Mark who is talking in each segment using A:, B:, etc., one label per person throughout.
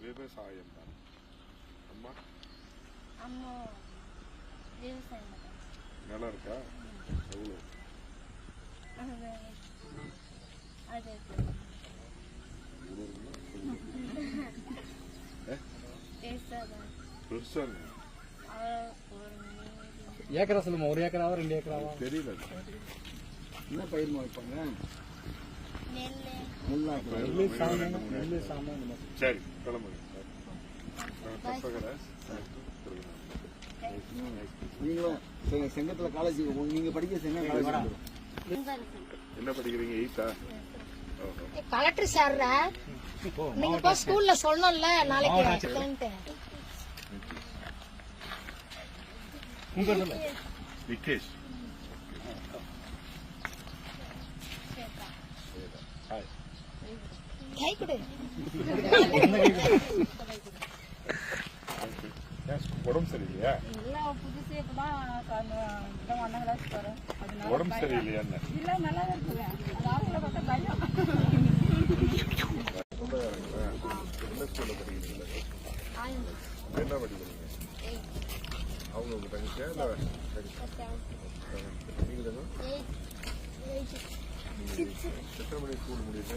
A: விவசாயம் தான். அம்மா
B: அம்மா விவசாயம்
A: நிலம் இருக்கா? எவ்வளோ?
B: அது
A: பெருசா
C: ஏக்கரா சொல்லுமா? 1 ஏக்கராவா 2 ஏக்கராவா
A: தெரியல.
C: என்ன பயிர் வைப்பாங்க?
A: சரி கிளம்புங்க.
C: நீங்களும் செங்கத்துல காலேஜ் நீங்க படிக்க
A: என்ன படிக்கிறீங்க? 8ஆ?
B: கலெக்டர் சார் நீங்க போய் ஸ்கூல்ல சொல்லணும்ல நாளைக்கு.
A: விகேஷ்
B: கை கொடு.
A: உடம்பு சரியில்லையா?
B: புதுசு இப்பதான்
A: உடம்பு சரியில்லையா?
B: இல்ல நல்லா இருக்குங்க. பார்த்தா பயம்.
A: எந்த ஸ்கூல்ல படிக்கிறீங்க? என்ன படிக்கிறீங்க? அவங்க உங்க தங்கச்சியா? இல்ல நீங்க எத்தனை மணி ஸ்கூல் முடியுது?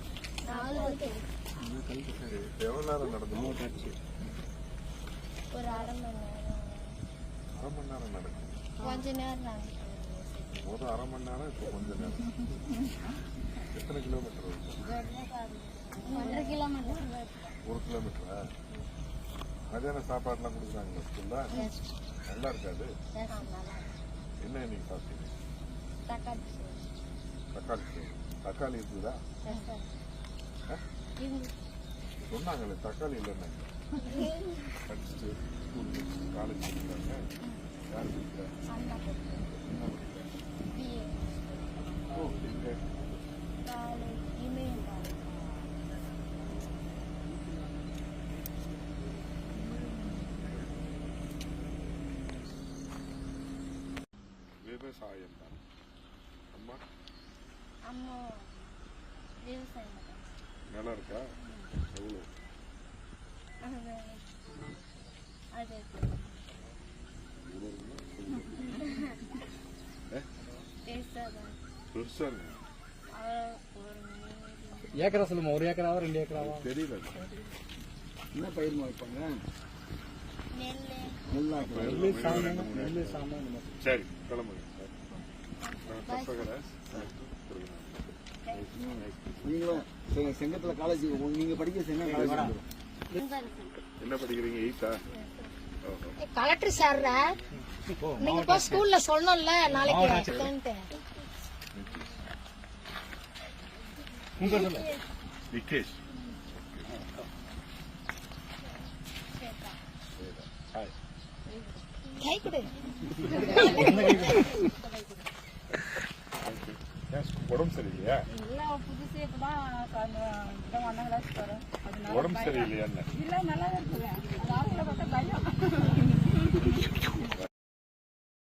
A: எவ்வளவு நேரம் நடந்து?
B: ஒரு அரை மணி
A: நேரம் நடக்கும்.
B: கொஞ்ச நேரம்
A: ஒரு அரை மணி நேரம். இப்போ கொஞ்ச நேரம். எத்தனை கிலோமீட்டர் இருக்கும்?
B: 1 கிலோமீட்டர்.
A: 1 கிலோமீட்டரா? மதியான சாப்பாடுலாம் கொடுக்குறாங்களா ஸ்கூல்ல? நல்லா இருக்காது. என்ன நீங்க சாப்பிட்டீங்க? தக்காளி சோறு. தக்காளி இருக்குதா? சொன்னாங்களே தக்காளி இல்லைன்னா படிச்சுட்டு ஸ்கூல் காலேஜ் படிக்கிறாங்க. யார் படிக்கிறா? ஓ இங்க விவசாயம் தான். அம்மா
B: அம்மா விவசாயம்
A: நிலம் இருக்கா? எவ்வளோ?
B: அது
A: பெருசா
C: ஏக்கரா சொல்லுமா? 1 ஏக்கராவா 2 ஏக்கராவா
A: தெரியல.
C: என்ன பயிர் வைப்பாங்க?
A: சரி கிளம்புங்க.
C: நீங்களும் செங்கத்துல காலேஜ் நீங்க படிக்க
A: என்ன படிக்கிறீங்க? 8ஆ?
B: கலெக்டர் சார் நீங்க போய் ஸ்கூல்ல சொல்லணும்ல நாளைக்கு.
A: விகேஷ்
B: கை கொடு.
A: உடம்பு சரியில்லையா?
B: இல்ல புதுசு இப்பதான்
A: உடம்பு சரியில்லையா?
B: இல்ல நல்லா இருக்குங்க. பார்த்தா பயம்.